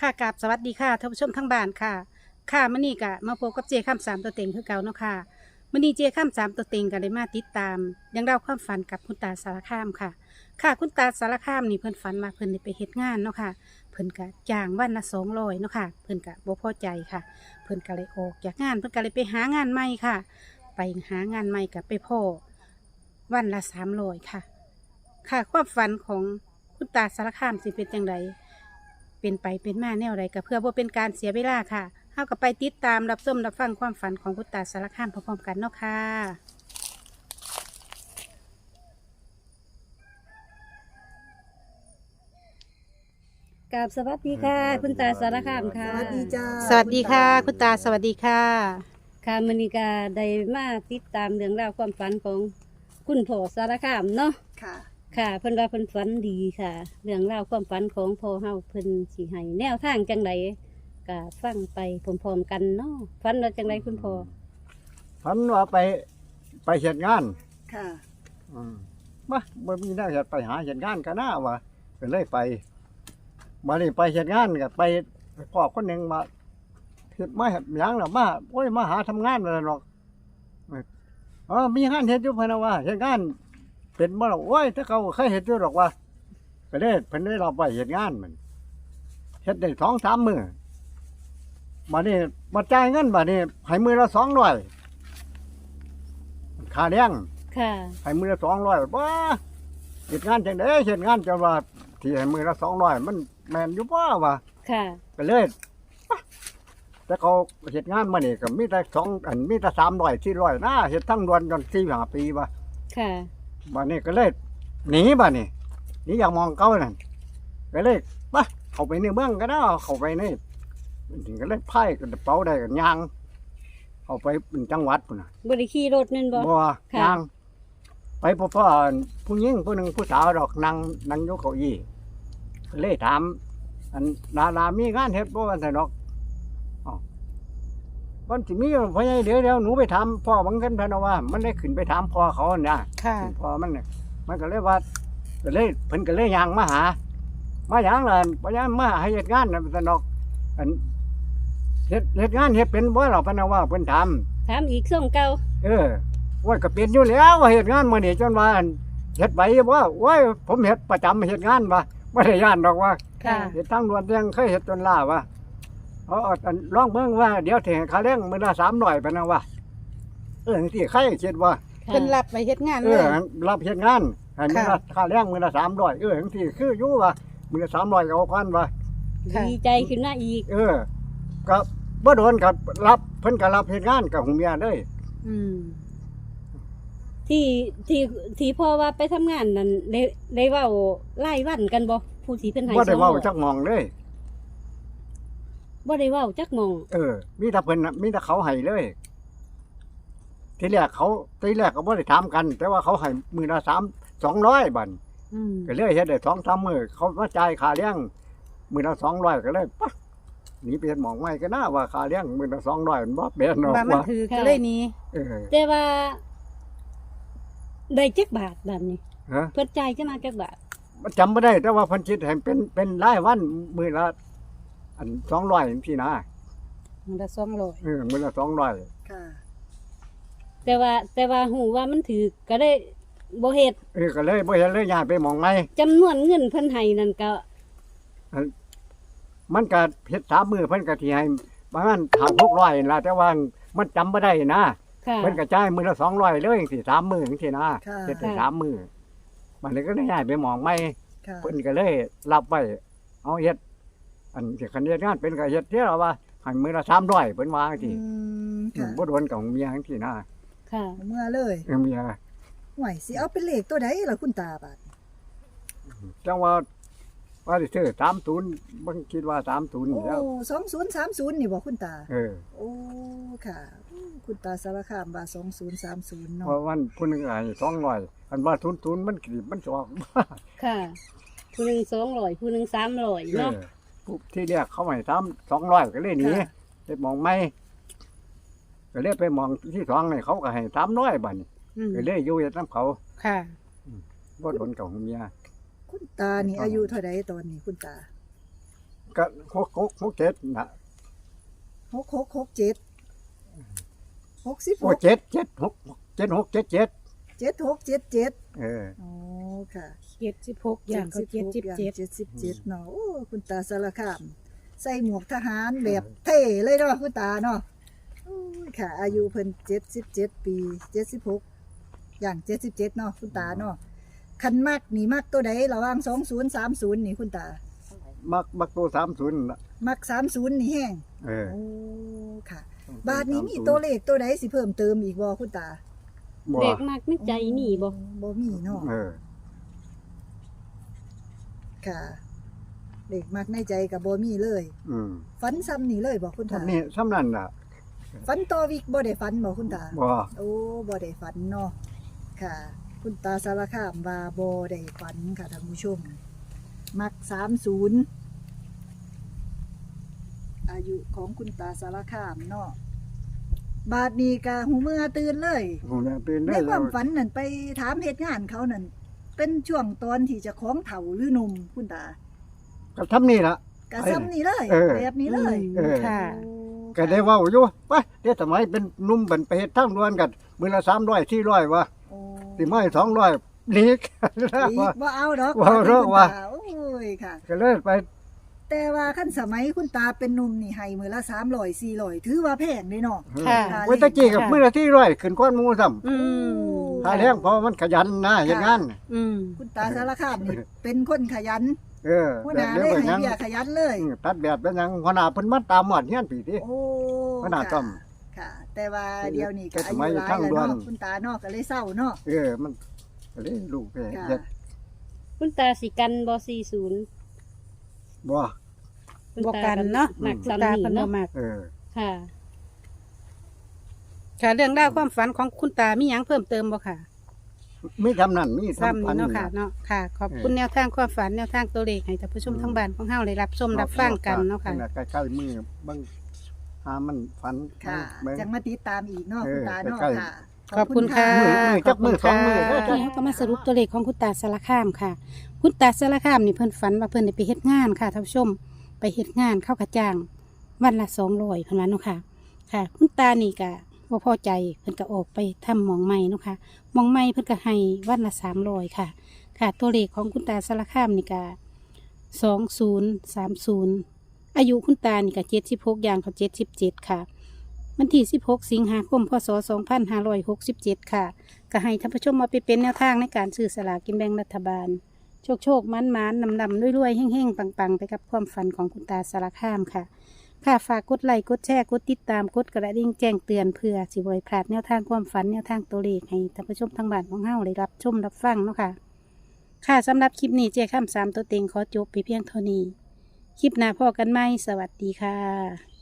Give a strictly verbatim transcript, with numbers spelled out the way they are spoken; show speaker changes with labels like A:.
A: ค่ะกราบสวัสดีค่ะท่านผู้ชมทั้งบ้านค่ะ ค่ะมื้อนี้ก็มาพบกับเจข้ามสามตัวเต็งคือเก่าเนาะค่ะมื้อนี้เจข้ามสามตัวเต็งก็เลยมาติดตามยังเล่าความฝันกับคุณตาสารคามค่ะ ค่ะคุณตาสารคามนี่เพิ่นฝันว่าเพิ่นได้ไปเฮ็ดงานเนาะค่ะเพิ่นก็จ้างวันละสองร้อยเนาะค่ะเพิ่นก็บ่พอใจค่ะ เพิ่นก็เลยออกจากงานเพิ่นก็เลยไปหางานใหม่ค่ะ ไปหางานใหม่ก็ไปพ่อวันละสามร้อยค่ะ ค่ะความฝันของคุณตาสารคามสิเป็นจังไดเป็นไปเป็นมาแนวใดก็เพื่อบ่เป็นการเสียเวลาค่ะเฮาก็ไปติดตามรับชมรับฟังความฝันของคุณตาสารคามพร้อมๆกันเนาะค่ะกราบสวัสดีค่ะ คุณตาสารคามค่ะ
B: สวัสดีจ้า
A: สวัสดีค่ะ คุณตาสวัสดีค่ะ
C: ค่ะมณีกาได้มาติดตามเรื่องราวความฝันของคุณพ่อสารคามเนาะ
B: ค่ะ
C: ค่ะเพิ่นว่าเพิ่นฝันดีค่ะ เรื่องราวความฝันของพ่อเฮาเพิ่นสิให้แนวทางจังไดก็ฟังไปพร้อมๆกันเนาะฝันว่าจังไดคุณพ่อ
D: ฝันว่าไปไปเฮ็ดงาน
B: ค่ะ
D: อืมมาบ่มีแนวเฮ็ดไปหาเฮ็ดงานกันนะว่าก็เลยไปมานี่ไปเฮ็ดงานก็ไปพ่อคนหนึงมาเฮ็ดมาเฮ็ดหยังล่ะมาโอ้ยมาหาทำงานนั่นหรอกเออมีงานเฮ็ดอยู่เพิ่นน่ะว่าเฮ็ดงานเป็นบ่ล่ะโอ้ยถ้าเขาเคยเฮ็ดอยู่ดอกว่าก็เลยเพิ่นได้รับไว้เฮ็ดงานมันเฮ็ดได้สองสามมื้อมานี่มาจ่ายเงินบัดนี้ให้มื้อละสองร้อยค่าเลี้ยง
C: ค่ะ
D: ให้มือละสองร้อยว้าเหตุงานจังได๋เหตุงานจะว่าที่ให้มือละสองร้อยมันแม่นอยู่บ่วะ
C: ค่ะ
D: ก็เลยแต่เขาเหตุงานมานี่ก็มีแต่สองอันมีแต่สามร้อยสี่ร้อยนะเฮ็ดทั้งดวนจนสี่ห้าปีวะ
C: ค่ะ
D: บัดนี้ก็เลยหนีบัดนี้หนีอยากมองเก่านั่นก็เลยปะเข้าไปในเมืองก็ได้เข้าไปในถึงก็เลยไพ่กระเป๋าได้กันยางเข้าไปเป็นจังหวัดพุ่นน่ะ
C: บ่ได้ขี่รถนั่นบ่
D: บ่
C: ค่ะ
D: นางไปพ่อพ่อผู้หญิงผู้หนึ่งผู้สาวดอกนั่งนั่งอยกเก้าอี้ก็เลยถามอันดารามีงานเฮ็ดบ่ว่าซั่นดอกอ้าวมันสิมีพ่อใหญ่เดี๋ยวเดี๋ยวหนูไปถามพ่อบังกันพะนะว่า มันได้ขึ้นไปถามพ่อเขาน่ะ
A: ค่ะ
D: พ่อมันน่ะมันก็เลยว่าก็เลยเพิ่นก็เลยย่างมาหา มาหยังล่ะพ่อใหญ่มาให้เฮ็ดงานน่ะซั่นดอกอันเฮ็ดเฮ็ดงานเฮ็ดเป็นบ่ล่ะพะนะว่าเพิ่นถาม
C: ถามอีกส่งเก่า
D: เออว่าก็เป็นอยู่แล้วว่าเหตุงานมื้อนี้จนว่าอั่นเฮ็ดไปว่าโอ้ยผมเฮ็ดประจำเฮ็ดงานว่าบ่ได้ย่านดอกว่า
A: ค่ะ
D: เฮ็ดทางด่วนยังเคยเฮ็ดจนล่าว่าเอาเอาอันลองเบิ่งว่าเดี๋ยวสิให้ค่าแรงมื้อละสามร้อยปานนั้นว่าเออจังซี่ใครคิดว่า
C: ค่ะ
A: เพิ่นรับไปเฮ็ดงาน
D: เอ
A: เล
D: อย รับเฮ็ดงานให้มื้อละ
A: ค่ะ
D: ค่าแรงมื้อละสามร้อยเออจังซี่คืออยู่ว่ามื้อละสามร้อยก็เอาพันว่า
A: ค่ะ
C: ดีใจขึ้นมาอีก
D: เออก็บ่โดนก็รับเพิ่นก็รับเฮ็ดงานกับหูเมียเลย
A: อืม
C: ที่ที่ที่พ่อว่าไปทำงานนั่นได้ได้เว้าไล่วันกันบ่ผู้ที่เพิ่นให้
D: บ่ได้
C: สอง
D: เว้า
C: ร้อย
D: จักหมองเลย
C: บ่ได้เว้าจักหมอง
D: เออ มีแต่เพิ่นน่ะมีแต่เขาให้เลย ทีแรกเขาทีแรกก็บ่ได้ถามกัน แต่ว่าเขาให้มือละสามสองร้อยบัด
A: อืม
D: ก็เลยเฮ็ดได้สองสามมื้อเขามาจ่ายค่าเลี้ยงมือละสองร้อยก็เลยปะหนีไปเฮ็ดหมองใหม่ก็น่าว่าค่าเลี้ยงมือละสองร้อยมันบ่เป็นหรอก
A: ว่ามัน
D: ว่า
A: ถือก็เลยหนี้
D: เออ
C: แต่ว่าได้จักบาทแบบนี้
D: ฮะ
C: เพิ่นจ่ายจะมาจักบาท
D: มันจำบ่ได้ แต่ว่าเพิ่นคิดให้เป็นเป็นรายวันมือละอันสองร้อยจังซี่นะ
A: มันละสองร้อย
D: เออมือละสองร้อย
B: ค่ะ
C: แต่ว่าแต่ว่าหูว่ามันถือก็ได้บ่เฮ็ด
D: เออก็เลยบ่เฮ็ดเลยย้ายไปหมองใหม่
C: จำนวนเงินเพิ่นให้นั่นก็
D: มันก็เฮ็ดสามมื้อเพิ่นก็สิให้ประมาณห้าหกร้อยนั่นล่ะแต่ว่ามันจำบ่ได้นะ
C: ค่ะ
D: เพิ่นก็จ่ายมื้อละสองร้อยเลยจังซี่สามมื้อจังซี่นะ
B: ค่ะ
D: เฮ็ดได้สามมื้อมันเลยก็ได้ย้ายไปหมองใหม่
B: ค่ะ
D: เพิ่นก็เลยรับไว้เอาเฮ็ดอันสิคันเฮ็ดงานเป็นก็เฮ็ดเท่าว่าให้มื้อละสามร้อยเพิ่นว่าจัง
B: อื
D: ซี่
B: มค่ะ
D: บ่โดนกับเมียจังซี่นะ
C: ค่ะ
B: เมื่อเลย
D: เออเมีย
B: ห่วยสิเอาเป็นเลขตัวใดล่ะคุณตาบาด
D: จังว่าว่าสิซื้อสามสิบบ่คิดว่าสามสิบนี่
B: โอ้
D: แล้ว
B: สองศูนย์สามศูนย์นี่บ่คุณตา
D: เออ
B: โอ้ค่ะอืมคุณตาสารคามว่าสองศูนย์สามศูนย์
D: เพ
B: เนาะ
D: ราะวันผู้หนึงให้สองร้อยอันว่าทุนๆมันกรีบมันจะออก
C: ค่ะ ผู้หนึงสองร้อยผู้หนึงสามร้อย
D: เอ
C: เนาะ
D: อปุ๊บที่แรกเขาให้ทำสองร้อยก็เลยหนีไปมองไม่ก็เลยไปมองที่สองนี่เขาก็ให้สามร้อยบาทนี่
A: อืม
D: ก็เลยอยู่เฮ็ดน้ำเขา
A: ค่ะ
D: บ่โดนกับเมีย
B: คุณตานี่อายุเท่าใดตอนนี้คุณตา
D: ก็หกหกหกเจ็ดนะ
B: หกหกหกเจ็ดหกสิบห
D: โอ้
B: ก
D: เจ็ดเจ็ดหกเจ็ดหกเจ็ดเจ็ด
B: เจ็ดหกเจ็ดเจ็ด
D: เออ
B: โอ้ค่ะ
A: เจ็ดสิบหกอย่างก็เจ็ดสิบเจ็ด
B: เจ็ดสิบเจ็ดเนาะโอ้คุณตาสารคามใส่หมวกทหารแบบเท่เลยเนาะคุณตาเนาะโอ้ยค่ะ อายุเพิ่นเจ็ดสิบเจ็ดปีเจ็ดสิบหกอย่างเจ็ดสิบเจ็ดเนาะคุณตาเนาะคันมากนี่มากตัวใดระหว่างสองศูนย์สามศูนย์นี่คุณตา
D: มักมักตัวสามศูนย์น่ะ
B: มักสามศูนย์นี่แห้ง
D: เออ
B: โอ้ค่ะ บาทนี้มีตัวเลขตัวใดสิเพิ่มเติมอีกบ่คุณตา
D: บ่
C: เด็กมากนึกใจนี่บ่
B: บ่มีเนาะ
D: เออ
B: ค่ะเลขมักในใจกับบ่มีเลย
D: อืม
B: ฝันซ้ำนี่เลยบ่คุณตา
D: ทำนี่ซ้ำนั่นน่ะ
B: ฝันต่อวิกบ่ได้ฝันบ่คุณตา
D: บ่
B: โอ้บ่ได้ฝันเนาะค่ะ คุณตาสารคามว่าบ่ได้ฝันค่ะท่านผู้ชม มักสามสิบอายุของคุณตาสารคามเนาะบาดนี้กะหูเมื่อตื่นเลย
D: หูเนี่ยตื่น
B: ใน
D: ได้
B: ค
D: แล้ว
B: าว มฝันนั่นไปถามเหตุงานเขานั่นเป็นช่วงตอนที่เจะของเฒ่าหรือหนุ่มคุณตา
D: ก็ทำนี่ล่ะ
B: กะซ้ำนี่เลย
D: เออ
B: แบบนี้เลย
D: เออ
A: ค่ะ
B: โอ้
D: ก็ได้เว้าอยู่ไปเดี๋ยวสมัยเป็นหนุ่มเป็นไปเฮ็ดทางด่วนกันมื้อละสามร้อยสี่ร้อยว่ะ
B: โอ้
D: สิมาให้สองร้อยหนีกัน
B: อี
D: ว่ะ
B: กบ่เอาดอก
D: บ่เอาดอกว่ะ
B: โอ้ยค่ะ
D: ก็เลยไป
B: แต่ว่าขั้นสมัยคุณตาเป็นหนุ่มนี่ให้มือละสามร้อยสี่ร้อยถือว่าแพงเลยเนาะ
A: ค่ะ
D: โอ้ยตะกี้กับมื้อละสี่ร้อยขึ้นก้อนหมู่ซ้ำ
A: อืม
D: ถ้าแรงเพราะมันขยันนะอย่างงั้น
A: อืม
B: คุณตาสารคามนี่เป็นคนขยัน
D: เออ
B: หัวห
D: แบบ
B: น้า
D: เดียว
B: เลย
D: กัน
B: ให้
D: ยัง
B: เบี้ยขยันเลย
D: อืมตัดแบบเป็นหยังหัวหน้าเพิ่นมาตามหมอดเฮียนปีติ
B: โอ้
D: หัวหน้าต้อม
B: ค่ะ แต่ว่าเดี๋ยวนี้ก็
D: แต่
B: อา
D: สมั
B: ยุ
D: ย
B: หลาย
D: ทาง
B: แล้ว
D: ด่วน
B: เนาะคุณตาเนาะก็เลยเศร้าเนาะ
D: เออมันก็เลยลูกไป
B: ค่ะ
D: เฮ็ด
C: คุณตาสิกันบ่สี่ศูนย์
D: บ่
C: คุณ
A: บ่
C: ตา
A: กันเนาะ
C: มัก
A: คุณ
C: ซ้ำ
A: ตา
C: นี่
A: เพิ่นบ่
C: เนาะ
A: มัก
D: เออ
C: ค่ะ
A: ค่ะเรื่องราวความฝันของคุณตามีหยังเพิ่มเติมบ่ค่ะ
D: มีทำนั่นมี
A: ซ้ำ
D: ทำพั
A: นี่
D: น
A: เนาะค่ะเนาะค่ะ ขอบคุณแนวทางความฝันแนวทางตัวเลขให้ท่านผู้ชมทั้งบ้านของเฮาได้รับชมรับฟังกันเนาะค่ะ
D: ใกล้ๆมือเบิ่งหามันฝัน
B: ค่ะ
D: เบิ่ง
B: จังมาติดตามอีกเนาะ
D: เออ
B: คุณตาเนาะ
D: ใกล้ๆ
B: ค่ะ
A: ขอบคุณค่ะ
D: มือมือจับมือสองมือเด้อ
A: ทีนี้เขาก็มาสรุปตัวเลขของคุณตาสารคามค่ะ คุณตาสารคามนี่เพิ่นฝันว่าเพิ่นได้ไปเฮ็ดงานค่ะท่านผู้ชม ไปเฮ็ดงานเข้ากระจ้าง วันละสองร้อยเพิ่นว่าเนาะค่ะ ค่ะ คุณตานี่ก็บ่พอใจเพิ่นก็ออกไปทำหมองใหม่เนาะค่ะหมองใหม่เพิ่นก็ให้วันละสามร้อยค่ะ ค่ะ ตัวเลขของคุณตาสารคามนี่ก็สองศูนย์สามศูนย์อายุคุณตานี่ก็เจ็ดสิบหกอย่างเขาเจ็ดสิบเจ็ดค่ะ วันที่สิบหกสิงหาคมพศสองพันห้าร้อยหกสิบเจ็ดค่ะ ก็ให้ท่านผู้ชมมาไปเป็นแนวทางในการซื้อสลากกินแบ่งรัฐบาล โชคโชคมันมันนำนำรวยๆแห้งๆ ปังๆ ไปกับความฝันของคุณตาสารคามค่ะ ค่ะฝากกดไลค์กดแชร์กดติดตามกดกระดิ่งแจ้งเตือนเพื่อสิบริพลาดแนวทางความฝันแนวทางตัวเลขให้ท่านผู้ชมทางบ้านของเฮาได้รับชมรับฟังเนาะค่ะ ค่ะสำหรับคลิปนี้เจ้าข้ามสามตัวเต็งขอจบไปเพียงเท่านี้ คลิปหน้าพอกันไหมสวัสดีค่ะ